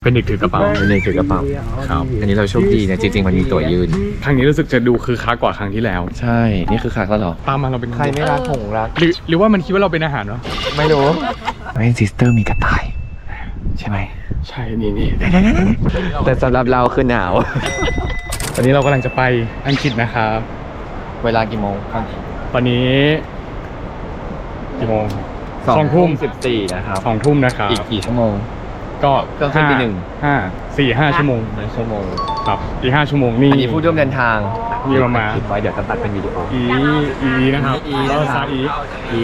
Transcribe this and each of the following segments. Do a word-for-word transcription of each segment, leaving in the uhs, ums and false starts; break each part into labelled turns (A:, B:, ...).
A: เป็นเด็กถือกระเป๋า
B: เป็นเด็กถือกระเป๋าครับอันนี้เราโชคดีเนี่ยจริงๆมันมีตั๋วยืน
A: ครั้งนี้รู้สึกจะดูคือค้ากว่าครั้งที่แล้ว
B: ใช่นี่คือคักแล้วหรอ
A: ตามมาเราเป็น
B: ใครไม่รักหงรัก
A: หรือหรือว่ามันคิดว่าเราเป็นอาหารวะ
B: ไม่รู้ไม่ซิสเตอร์มีกระต่ายใช่ไหม
A: ใช่นี่นี่
B: แต่สำหรับเราคือหนาว
A: ตอนนี้เรากำลังจะไปอังกฤษนะครับ
B: เวลากี่โมง
A: ตอนนี้กี่โมง
B: สองทุ่มสิบสี่นะครับ
A: สองทุ่มนะครับ
B: อีกกี่ชั่วโมง
A: ก็
B: ก็ขึ้นปีหนึ่ง
A: ห้าสี่ห้าชั่วโมง
B: ชั่วโมง
A: ครับอีกห้าชั่วโมงนี่
B: อันนี้ผู้ร่วมเดินทาง
A: มีมามา
B: คิดไว้เดี๋ยวจะตัดเป็นวิดีโอ
A: อีอีนะครับ
B: อีนะครับอีอี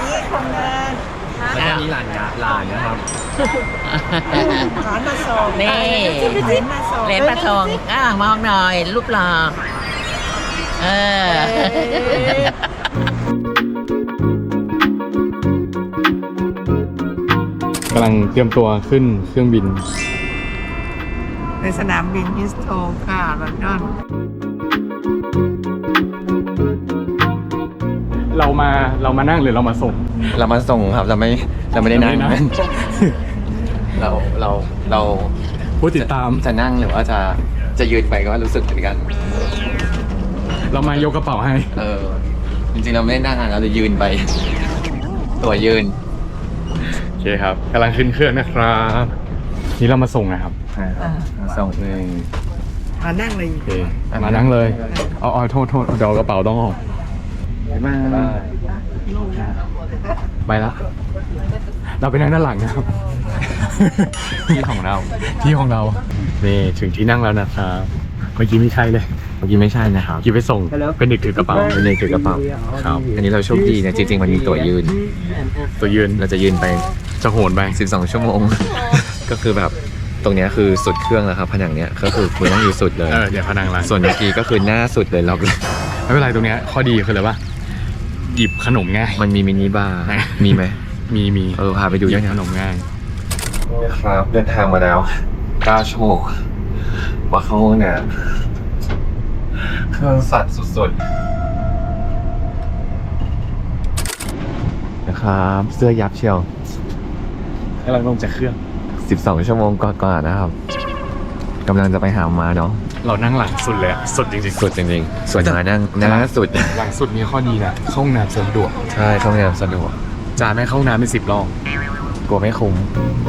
B: แล้วก็มีหลานนะหลานนะครับ
C: หลานมาส่ง
D: นี่เหรียญมาส่งอ่ามองหน่อยรูปหล่อเอ
A: อกำลังเตรียมตัวขึ้นเครื่องบิน
C: ในสนามบินฮิสโตรค่ะลอนดอน
A: เรามาเรามานั่งหรือเรามาส่ง
B: เรามาส่งครับเราไม่เราไม่ได้นั่งเราเราเรา
A: ผู้ติดตาม
B: จะนั่งหรือว่าจะจะยืนไปก็รู้สึกเหมือนกัน
A: เรามายกกระเป๋าให้
B: เออจริงๆเราไม่ได้นั่งเราจะยืนไปตัวยืน
A: โอเคครับกำลังขึ้นเครื่องนะครับนี่เรามาส่งนะครับ
B: ส่งเลย
C: มานั่งเลย
A: โอเคมานั่งเลยเอาเอาโทษโทษเดี๋ยวกระเป๋าต้องออก
B: มา
A: ไปละเราไปนั่งด้านหลังนะครับ
B: ที่ของเรา
A: ที่ของเรานี่ถึงที่นั่งแล้วนะครับเมื่อกี้ไม่ใช่เลย
B: เมื่อกี้ไม่ใช่นะครับ
A: กี้ไปส่งเป็นเด็กถือกระเป๋า
B: เป็นเด็กถือกระเป๋าครับอันนี้เราโชคดีเนี่ยจริงๆมันมีตั๋วยืน
A: ตั๋วยืน
B: เราจะยืนไป
A: จะโหนไป
B: สิบสองชั่วโมงก็คือแบบตรงนี้คือสุดเครื่องแล้วครับผนังเนี้ยก็คือคุณต้องอยู่สุดเลย
A: เออเดี๋ยวผนังละ
B: ส่วนเมื่อกี้ก็คือหน้าสุดเลยเรา
A: ไม่เป็นไรตรงเนี้ยข้อดีคืออะไรวะหยิบขนมง่าย
B: มันมีมินิบาร์มีไหม
A: มีมี
B: เออพาไปดู
A: ยังขนมง่าย
B: ครับเดินทางมาแล้วเก้าชั่วโมงว่าเข้าห้องน้ำเครื่องสั่นสุดๆนะครับเสื้อยับเชียว
A: กำลังลงจากเครื่อง
B: สิบสองชั่วโมงก่อนๆนะครับกำลังจะไปหามาเนาะ
A: เรานั่งหลังสุดเลยสุดจริง
B: ๆสุดจริงๆส่วนมานั่งหน้าสุด
A: หลังสุดมีข้อดีนะเข้าห้องน้ำสะดวก
B: ใช่เข้าห้องน้ำสะดวก
A: จานไม่เข้าห้องน้ำเป็นสิบรอบ
B: กลัวไม่คุ้ม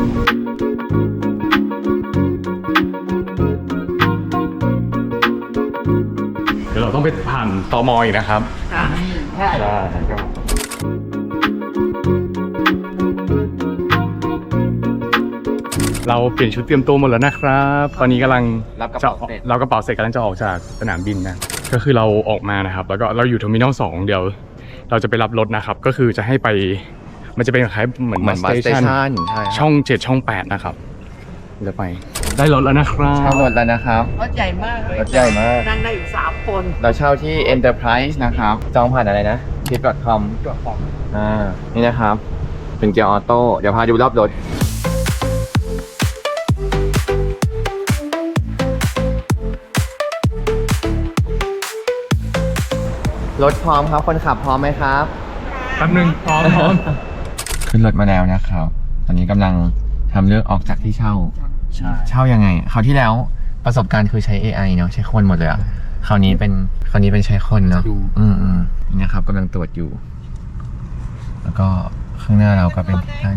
A: เดี๋ยวเราต้องไปผ่านตม.อีกนะครับใช่ใช่เราเปลี่ยนชุดเตรียมตัวหมดแล้วนะครับตอนนี้กำลัง
B: รับกระเป๋าเสร็จ
A: เรากระเป๋าเสร็จกำลังจะออกจากสนามบินนะก็คือเราออกมานะครับแล้วก็เราอยู่เทอร์มินอลสองเดี๋ยวเราจะไปรับรถนะครับก็คือจะให้ไปมันจะเป็นคล้ายเหมือนบัสสเตชันช่องเจ็ดช่องแปดนะครับจะไปได้รถแล้วนะครับ
B: เช่ารถแล้วนะครับ
C: รถใหญ่มากเลย
B: รถใหญ่มาก
C: นั่งได้อยู่สามคน
B: เราเช่าที่ Enterprise นะครับจองผ่านอะไรนะ ทริป ดอท คอม อ่านี่นะครับเป็นเกียร์ออโต้เดี๋ยวพาดูรอบรถรถพร้อมครับคนขับพร้อมไหมครับ
A: แป๊บนึงพร้อมพร้อม
B: ขึ้นรถมาแล้วนะครับตอนนี้กำลังทำเรื่องออกจากที่เช่า
A: ใช่
B: เช่ายังไงคราวที่แล้วประสบการณ์คือใช้ เอ ไอ เนาะใช้คนหมดเลยอ่ะคราวนี้เป็นคราวนี้เป็นใช้คนเนาะอืมอืมนี่นะครับกำลังตรวจอยู่แล้วก็ข้างหน้าเราก็เป็นการ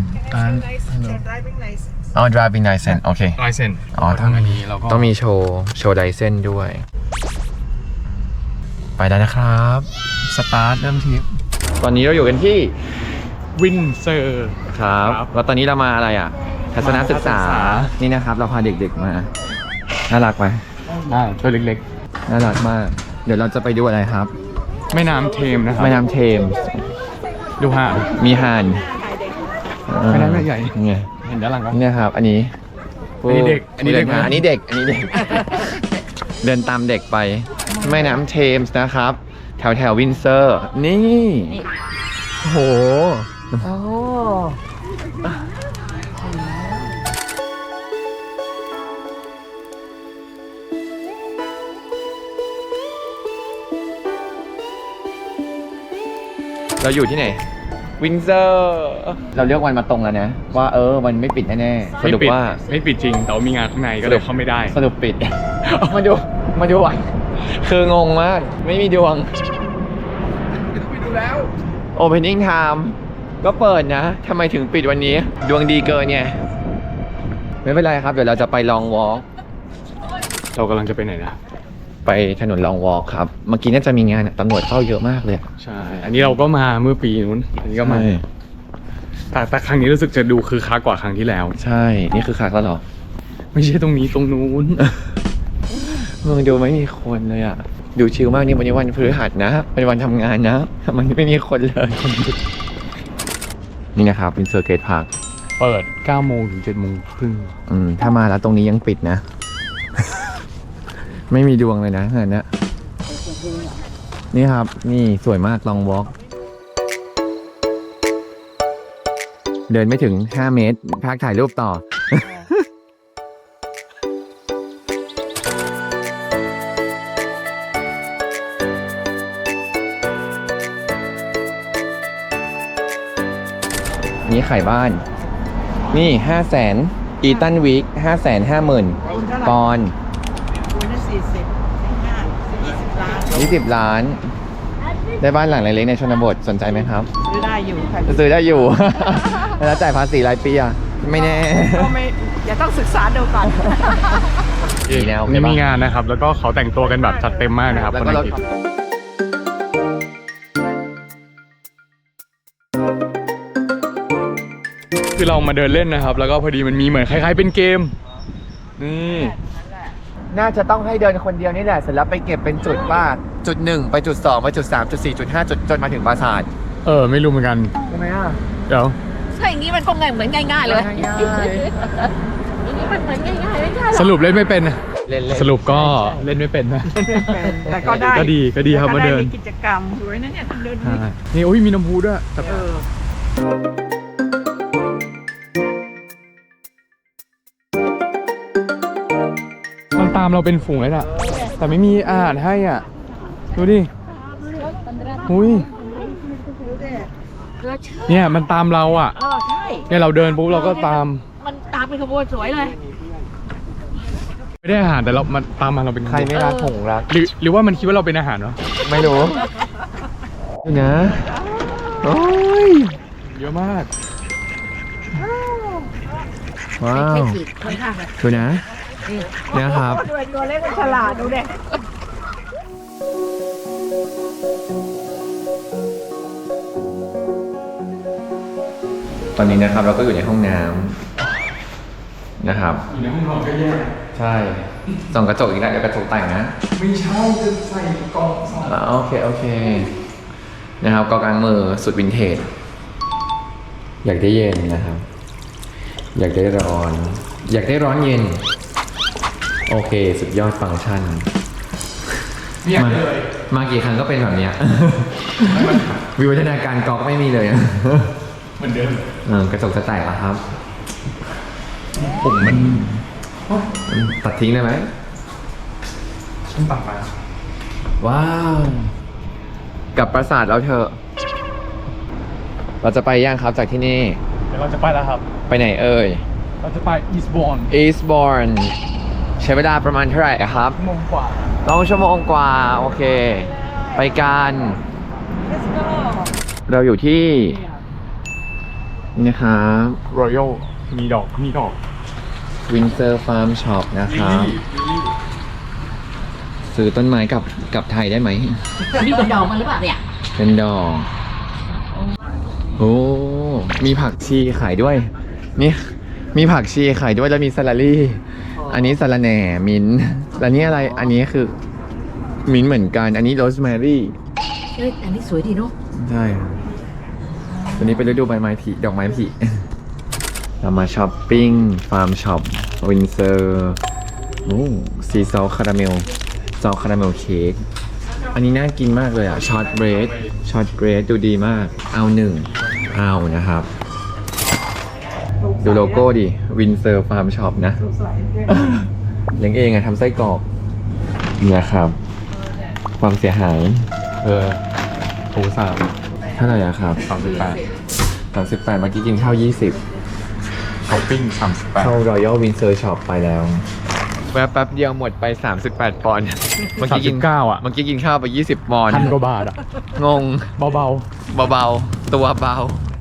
B: อ๋อ driving license โอเค
A: license
B: อ๋อต้องมีต้องมีโชว์โชว์ไลเซนส์ด้วยไปได้นะครับสตาร์ทเริ่มทริปตอนนี้เราอยู่กันที่
A: วินเซอร์
B: ครับแล้วตอนนี้เรามาอะไรอ่ะทัศนศึกษานี่นะครับเราพาเด็กๆมาน่ารักไหม
A: น่าตัวเล็ก
B: ๆน่ารักมากเดี๋ยวเราจะไปดูอะไรครับ
A: แม่น้ำเทมนะครับ
B: แม่น้ำเทม
A: ดูห่าน
B: มีห่าน
A: แม่น้ำใหญ่
B: ไง
A: เห็นด้านหลังก็
B: นี่ครับอันนี้
A: อันนี้เด็กอันนี้เด็ก
B: อันนี้เด็กอันนี้เด็กเดินตามเด็กไปแม่น้ำเทมส์นะครับแถวแถววินเซอร์นี่โอ้โห
C: โอ้
B: เราอยู่ที่ไหนวินเซอร์เราเลือกวันมาตรงแล้วนะ ว่าเออมันไม่ปิดแน่ๆส
A: ไม่
B: รุป
A: ปิด
B: ว่า
A: ไม่ปิดจริงแต่ว่ามีงานข้างในก็เลยเข้าไม่ได้
B: สรุปปิด มาดูมาดูวันคืองงมาก ไม่มีดวง
A: ไปดูแล้ว
B: Opening Time ก็เปิดนะทำไมถึงปิดวันนี้ ดวงดีเกินไงไม่เป็นไรครับ เดี๋ยวเราจะไปลองวอล์ก
A: เรากำลังจะไปไหนนะ
B: ไปถนนลองวอล์กครับ เมื่อกี้น่าจะมีงานอะตำรวจเข้าเยอะมากเลยอะ
A: ใช่ อันนี้เราก็มาเมื่อปีนู้น อันนี้ก็มา
B: ใช่
A: แต่แต่ครั้งนี้รู้สึกจะดูคือค้ากว่าครั้งที่แล้ว
B: ใช่ นี่คือคักแล้วเหรอ
A: ไม่ใช่ตรงนี้ตรงนู้น
B: เมืองดูไม่มีคนเลยอ่ะ ดูชิลมากนี่วันนี้วันพฤหัสนะ เป็นวันทำงานนะมันไม่มีคนเลย นี่นะครับเป็นเซอร์เกตพาร์ค
A: เปิดเก้าโมงถึงเจ็ดโมงครึ่ง
B: อืม ถ้ามาแล้วตรงนี้ยังปิดนะ ไม่มีดวงเลยนะงานเนี้ยนี่ครับ นี่สวยมากลองวอล์กเดินไม่ถึงห้าเมตรพักถ่ายรูปต่อ นี่ขายบ้าน นี่ห้าแสนอีตันวีคห้าแสนห้าหมื่นปอนด์
C: คูณละสี่สิบห้ายี่สิบล้าน
B: ยี่สิบล้าน ได้บ้านหลังเล็กๆในชนบทสนใจไหมครับ
C: ซื้อได้อยู่ค่ะ
B: จะซื้อได้อยู่ แล้วจ่ายภาษีรายปีอ่ะ ไม่แน่
C: ก็ไม่อย่าต้องศึกษาดูก่อน
B: ดีแล้ว
A: นี่มีงานนะครับ แล้วก็เขาแต่งตัวกันแบบจัดเต็มมากนะครับ
B: แล้ว
A: คน
B: ก็
A: อั
B: รง ถ
A: กฤษคือเรามาเดินเล่นนะครับ แล้วก็พอดีมันมีเหมือนคล้ายๆเป็นเกม นี่
B: น่าจะต้องให้เดินคนเดียวนี่แหละ เสร็จแล้วไปเก็บเป็นจุดว่าจุดหนึ่งไปจุดสองไปจุดสามจุดสี่จุดห้าจุดจนมาถึงปราสาท
A: เออ ไม่รู้เหมือนกัน
B: ใช่ไหมอ่ะ
A: เดี๋ยว
D: ถ้าอย่างนี้มันคงเหมือนง่ายๆเลย
B: ง่าย
D: อย่างนี้มันเหมือนง่ายๆไม่ใช่หรอ
A: สรุปเล่นไม่เป็น
B: ๆเล่นๆ
A: สรุปก็เล่นไม่เป็นนะ
C: แต่ก็ได้
A: ก็ดีก็ดีครับมาเดิน
C: แต่ก็ไมีกิจกรรมสวยนะเนี่ยเดิน
A: ใช่นี่โอ้ยมีน้ำพุด้วยแต่
C: เออ
A: มันตามเราเป็นฝูงเลยน่ะ แต่ไม่มีอาหารให้อ่ะ ดูดิอุ้ยเนี่ยมันตามเราอ่ะ
D: เออใช่
A: เนี่ยเราเดินปุ๊บเราก็ตาม
D: มันตามเป็นขบวนสวยเลย
A: ไม่ได้อาหารแต่เรามันตามมาเราเป็น
B: ใครไม่รักหงรัก
A: หรือหรือว่ามันคิดว่าเราเป็นอาหารวะ
B: ไม่รู้ดูนะ โอ้ย
A: เยอะมาก
B: ว้าว
D: ค่อนข้างเลย
B: ดูนะเนี่ยครับ
C: ด้วยตัวเล็กมันฉลาดดูเด็ก
B: ตอนนี้นะครับเราก็อยู่ในห้องน้ำนะครับ
A: อยู่ในห้องนอนก็แย่
B: ใช่ส่องกระจกอีกแล้วเดี๋ยวกระจกแต่งนะ
A: ไม่ใช่จะใส่กล่องสอง
B: อ่าโอเค โอเค นะครับกอกลางมือสุดวินเทจ อยากได้เย็นนะครับ อยากได้ร้อน อยากได้ร้อนเย็น โอเค สุดยอดฟังก์ชัน
A: เนี่ย
B: มา
A: เลย
B: มากี่ครั้งก็เป็นแบบเนี้ย วิวัฒนาการกอกไม่มีเลย
A: เหมือนเดิม
B: เออกระจกจะแตกแล้วครับ
A: ผมมัน
B: ตัดทิ้งได้ไหม
A: ต้องตัดมา
B: ว้าว กลับปราสาทแล้วเถอะ เราจะไปย่างครับจากที่นี่
A: เดี๋ยวเราจะไปแล้วครับ
B: ไปไหนเอ่ย
A: เราจะไปอีสบอน
B: Eastbourne ใช้เวลาประมาณเท่าไหร่ครับ
A: ชั่วโมงกว่า
B: ต้องชั่วโมงกว่า โอเค ไปกัน
C: let's go
B: เราอยู่ที่ นี่นะครับ
A: รอยัลมีดอกมีดอก
B: Windsor Farm Shop นะครับ ซื้อต้นไม้กับกับไทยได้ไหม
D: นี่เป็นดอกมันหรือเปล่าเนี่ย
B: เป็นดอก โอ้ มีผักชีขายด้วย นี่ มีผักชีขายด้วยแล้วมีสลัดรี่ อันนี้สลัดแหน่ มิ้นท์แล้วนี่อะไร อันนี้คือ มิ้นท์เหมือนกัน อันนี้โรสแมรี่
D: เอ้ยอันนี้สวยดีเนาะ
B: ใช่วันนี้เป็นฤดูใบไม้ผลิดอกไม้ผลิ เรามาช้อปปิ้ง ฟาร์มช็อป วินเซอร์โอ้ซีซอลคาราเมล ซอลคาราเมลเค้ก อันนี้น่ากินมากเลยอ่ะ ช็อตเบรด ช็อตเบรดดูดีมาก เอาหนึ่ง เอานะครับ ดูโลโก้ดิ วินเซอร์ฟาร์มช็อปนะ เลี้ยงเองอะทำไส้กรอกนี่นะครับ ความเสียหาย
A: เออโอ้สาม
B: เท่าไหร่อะครับ
A: สามสิบแปด
B: สามสิบแปดเมื่อกี้กินข้าวยี่สิบ
A: ช้อปปิ้งสามสิบแปด
B: เข้ารอยัลวินเซอร์ช็อปไปแล้วแวะแป๊บเดียวหมดไปสามสิบแปดปอนด์เมื่อ
A: สาม
B: กี้
A: สิ
B: กิน
A: บเก้าอ่ะ
B: เมื่อกี้กินข้าวไปยี่สิบปอนด์
A: พันกว่าบาทอ่ะ
B: งง
A: เบา
B: เบาๆตัวเบา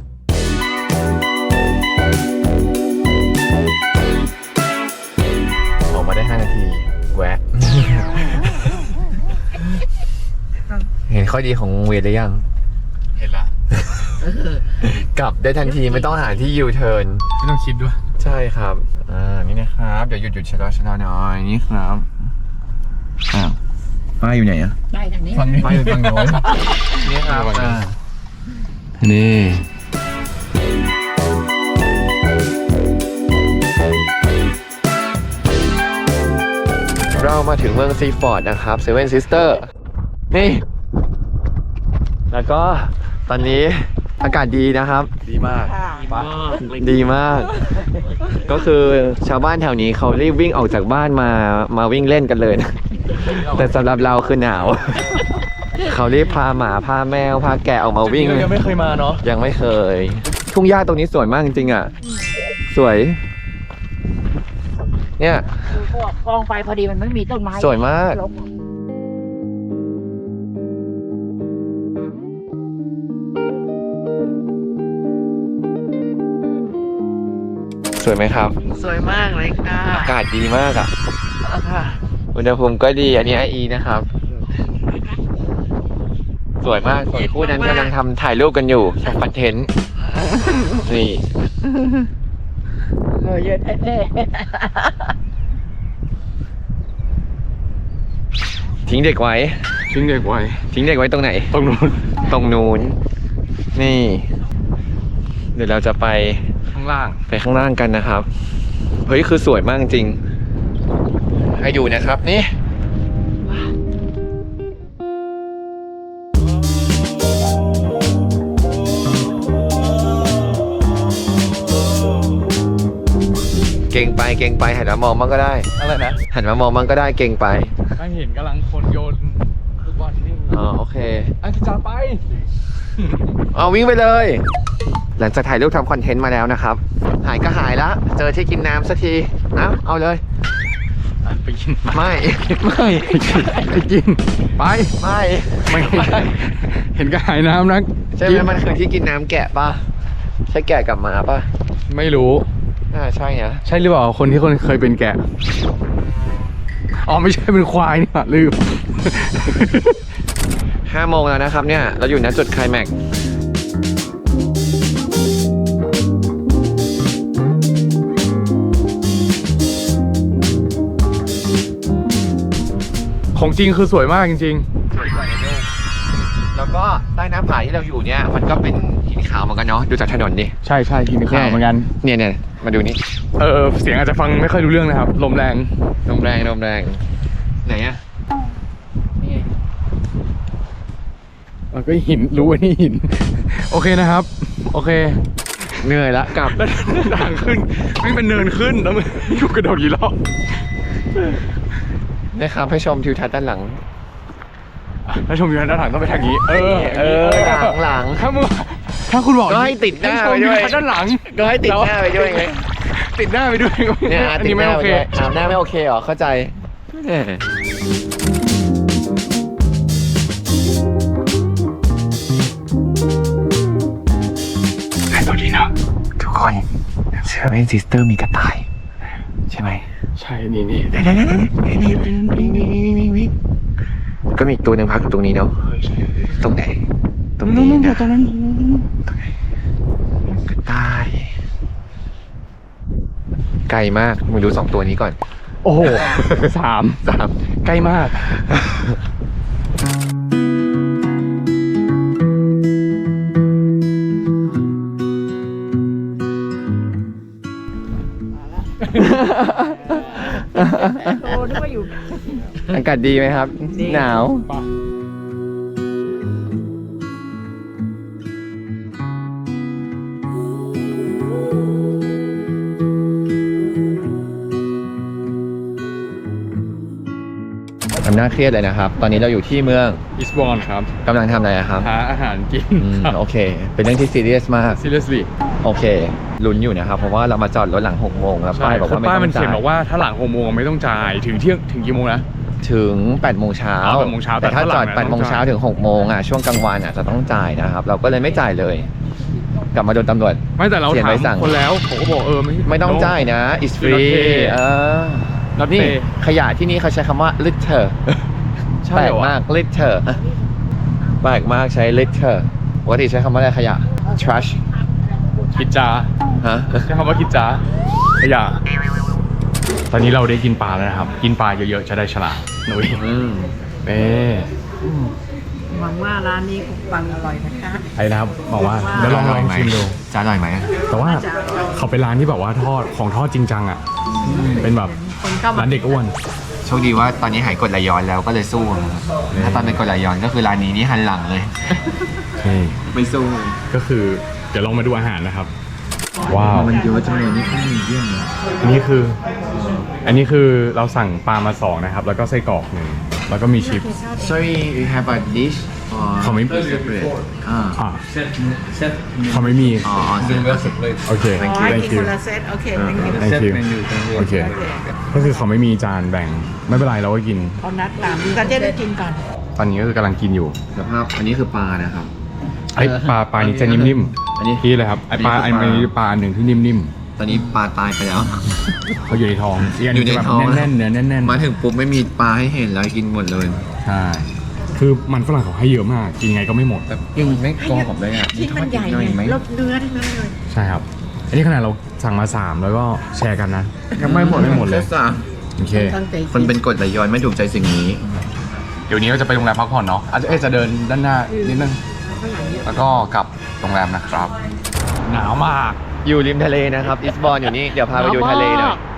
B: ออกมาได้ห้านาทีแวะ เห็นข้อดีของวงเวียนหรือยัง
A: ๆเห็นละ
B: กลับได้ทันทีไม่ต้องหาที่ยูเทิร์น
A: ไม่ต้องคิดด้วย
B: ใช่ครับ อ่า นี่นะครับ เดี๋ยวหยุดหยุดชะลอชะลอหน่อย นี่ครับ อ้าวป้ายอยู่ไหนอะ
D: ได้ทางนี้
A: ฟังนี้
B: ป้ายอยู่ฝั่งโน้น นี่ครับ อ่า
A: นี่
B: เรามาถึงเมืองซีฟอร์ดนะครับเซเว่นซิสเตอร์ นี่ แล้วก็ตอนนี้อากาศดีนะครับ
A: ดีมาก
B: ดีมาก ก็คือชาวบ้านแถวนี้เขารีบวิ่งออกจากบ้านมา มาวิ่งเล่นกันเลยนะ แต่สำหรับเราคือหนาว เขารีบพาหมาพาแมวพาแกะออกมาวิ่ง
A: ยังไม่เคยมาเนาะ
B: ยังไม่เคย ทุ่งหญ้าตรงนี้สวยมากจริงๆอ่ะ สวย เนี่ย
D: ดูพวกกองไฟพอดีมันไม่มีต้นไม้
B: สวยมาก สวยไหมครับ
C: สวยมากเลยค่ะ
B: อากาศดีมากอ่ะ อุณหภูมิก็ดี อันนี้ไออีนะครับ สวยมากส่วนคู่นั้นกำลังทำถ่ายรูปกันอยู่ทำคอนเทนต์ นี่
D: เออเยอะแท้
B: ทิ้งเด็กไว้
A: ทิ้งเด็กไว้
B: ทิ้งเด็กไว้ตรงไหน
A: ตรงนู้น
B: ตรงนู้น นี่ เดี๋ยวเราจะไป
A: ข้างล่าง
B: ไปข้างล่างกันนะครับ เฮ้ย คือสวยมากจริง ให้ดูนะครับนี่ เก่งไปเก่งไปหันมามองมันก็ได้
A: อะไรนะ
B: หันมามองมันก็ได้เก่งไป
A: ไม่เห็นกำลังคนโยนลูกบอลนี่
B: อ๋อโอเค
A: อันที่จะไป
B: เอาวิ่งไปเลย หลังจากถ่ายรูปทำคอนเทนต์มาแล้วนะครับ หายก็หายละเจอที่กินน้ำสักทีนะเอาเลย
A: ไปกิน
B: ไม่ ไม่
A: ไปกิน ไป
B: ไม่
A: ไม่เห็นก็หายน้ำนะ
B: ใช่ไหมมันคือที่กินน้ำแกะป่ะ ใช่แกะกับหมาป่ะ
A: ไม่รู้
B: อ่าใช่นะ
A: ใช่หรือเปล่าคนที่คนเคยเป็นแกะ อ๋อไม่ใช่เป็นควายนี่หว่าลืม
B: ห้าโมงแล้วนะครับเนี่ย เราอยู่ณจุดไคลแม็กซ์
A: ของจริงคือสวยมากจริง
B: สวยกว่าในรูปแล้วก็ใต้หน้าผาที่เราอยู่เนี่ย มันก็เป็นหินขาวเหมือนกันเนาะ ดูจากถนนดิ
A: ๆ ใช่ใช่กินข้าวเหมือนกัน
B: เนี่ยเนี่ยมาดูนี่
A: เออเสียงอาจจะฟังไม่ค่อยรู้เรื่องนะครับ ลมแรง
B: ลมแรงลมแรง ไหนอะ
D: นี่
A: เออก็หินรู้ว่านี่หิน โอเคนะครับ โอเค
B: เหนื่อยละกลับ
A: แล้วทางขึ้นไม่เป็นเนินขึ้นแล้วมันอยู่กระโดดกี่รอบ
B: นะครับให้ชมทิวทัศน์ด้านหลัง
A: ถ้าชมอยู่ด้านหลังต้องไปทางนี้ เออ
B: เออหลังหลัง
A: ถ้ามึงถ้าคุณบอก
B: ก็ให้ติดหน้า
A: ชม
B: ไปด้วย
A: อด้านหลัง
B: ก็ให้ติดหน้าไปด้วยไง
A: ติดหน้าไปด้วย
B: เนี่ย
A: อัน
B: ติด
A: นี้
B: ห
A: ไม่
B: น้า
A: โอ
B: ไป
A: เค
B: ด้วยอ่าหน้าไม่โอเคเหรอเข้าใจแหมแต่ตัวนี้เนาะทุกคนเชื่อไหมซิสเตอร์มีกระต่าย ใช่ไหม
A: ใช่นี่นี่
B: ก็มีอีกตัวหนึ่งพักอยู่ตรงนี้เนาะตรงไหน ตรงนี้นะตรงนั้นตรงไหนกระต่าย ไกลมากมึงดูสองตัวนี้ก่อน
A: โอ้โหสาม
B: สาม
A: ใกล้มาก
D: โอ้นึกว่าอยู่
B: อากาศดีไหมครับ หนาว
A: ต
B: ทำหน้าเครียดเลยนะครับ ตอนนี้เราอยู่ที่เมือง
A: อิสบอนครับ
B: กำลังทำอะไรอะครับ
A: หาอาหารกิน
B: อืม
A: ครับ
B: โอเค เป็นเรื่องที่ซีเรียสมาก
A: seriously
B: โอเคลุ้นอยู่นะครับ เพราะว่าเรามาจอดรถหลังหกโมงแล้ว
A: ใช่
B: ป้ายบอก
A: คือ
B: ว่าไม่
A: ป้าย
B: ต้
A: มั
B: อน ง
A: เขี
B: จ่าย
A: นบอกว่าถ้าหลังหกโมงไม่ต้องจ่ายถึงเที่ยงถึงกี่โมงนะ
B: ถึงแปดโมงเช้า
A: อ๋อแปดโมงเช้าแต่
B: แต่ถ้า
A: ถ้าหลั
B: จอง ด
A: น่ะ
B: แปดโมง
A: ต้องจ่าย
B: เช้าถึงหกโมงอ่ะช่วงกลางวันอ่ะจะต้องจ่ายนะครับ เราก็เลยไม่จ่ายเลย กลับมาโดนตำรวจ
A: ไม่แต่เรา
B: เขียน
A: ถา
B: ใบ
A: ม
B: สั่ง
A: คนแล้วเขาก็บอกเออไม่
B: ไม่ต้องจ่ายนะ is free เออ
A: Not
B: นี่
A: pay
B: ขยะที่นี่เขาใช้คำว่า litter
A: ใช่
B: แปล
A: เหร
B: ก
A: อวะ
B: มาก litter แปลกมากใช้ litter ปกติใช้คำว่าอะไรขยะ trash
A: กิจจา
B: ฮะ
A: ใช้คำว่ากิจจาขยะตอนนี้เราได้กินปลาแล้วนะครับ กินปลาเยอะๆจะได้ฉลาดหนุ่ย
B: อืม
A: เอ๊ะ
C: หวังว่าร้านนี้คงปังอร่อยนะคะ
A: ไอ้นะครับบอกว่าเดี๋ยวลองลองชิมดู
B: จะอร่อยไหม
A: แต่ว่าเขาเป็นร้านที่แบบว่าทอดของทอดจริงจังอ่ะ เป็นแบบ
C: คนเข้ามา
A: ร้านเด็กอ้วน
B: โชคดีว่าตอนนี้หายกดไหลย้อนแล้วก็เลยสู้นะครับถ้าตอนเป็นกดไหลย้อนก็คือร้านนี้นี่หันหลังเลย
A: นี่
B: ไม่สู้
A: ก็คือเดี๋ยวลองมาดูอาหารนะครับ ว้าว
B: มันเยอะจังเลยนี่แค่มีเยี่ยมเลย
A: อันนี้คือ อันนี้คือเราสั่งปลามาสองนะครับ แล้วก็ไส้กรอกหนึ่งแล้วก็มีชิป
B: sorry we have a dish or
A: เขาไม่
B: separate อ่า
A: อ่าเขาไม่มี
B: อ๋อ separate
A: โอเค
C: อ๋อ
A: thank
C: กิน
A: you
C: คนละเซตโอเค thank you
A: thank you โอเค ก็คือเขาไม่มีจานแบ่ง ไม่เป็นไรเราก็กิน
C: เขานัดตามก็จะได้กินก่อน
A: ตอนนี้ก็คือกำลังกินอยู่
B: สภาพอันนี้คือปลานะครับ
A: ไอ้ปลาปลานี้จะนิ่ม
B: อันนี้
A: ๆพี่เลยครับไอ้ปลา
B: อั
A: อั
B: น
A: น
B: นี้คือปลา
A: นี้ปลาอันหนึ่งที่นิ่ม
B: ตอนนี้ปลาตายไปแล้ว
A: ๆเขาอยู่ในท้องก
B: อยู่ในท้อง
A: แบบแน่นๆเนื้อแน่น
B: มาถึงปุ๊บไม่มีปลาให้เห็นแล้วกินหมดเลย
A: ๆใช่คือมันฝรั่งเขาให้เยอะมาก กินไงก็ไม่หมด
B: แบบกินไม่กอผมเลยอ่ะ
C: ที่มันใหญ่
B: ทอดอีกหน่อยไหม
C: ไงแล้วเนื้อทั้งนั้นเลย
A: ใช่ครับ อันนี้ขนาดเราสั่งมาสามแล้วก็แชร์กันนะ
B: ยังไม่หมด
A: ไม่หมดเลย
B: แค่สาม
A: โอเค
C: ตั้งใจ
B: คนเป็นกรดไหลย้อนไม่ถูกใจสิ่งนี้
A: เดี๋ยวนี้เราจะไปโรงแรมพักผ่อนเนาะอาจจะเอ๊ะจะเดินด้านหน้านิดนึง แล้วก็กลับโรงแรมนะครับ หนาวมาก
B: อยู่ริมทะเลนะครับ อิสบอนอยู่นี่ เดี๋ยวพาไปดูทะเลหน่อย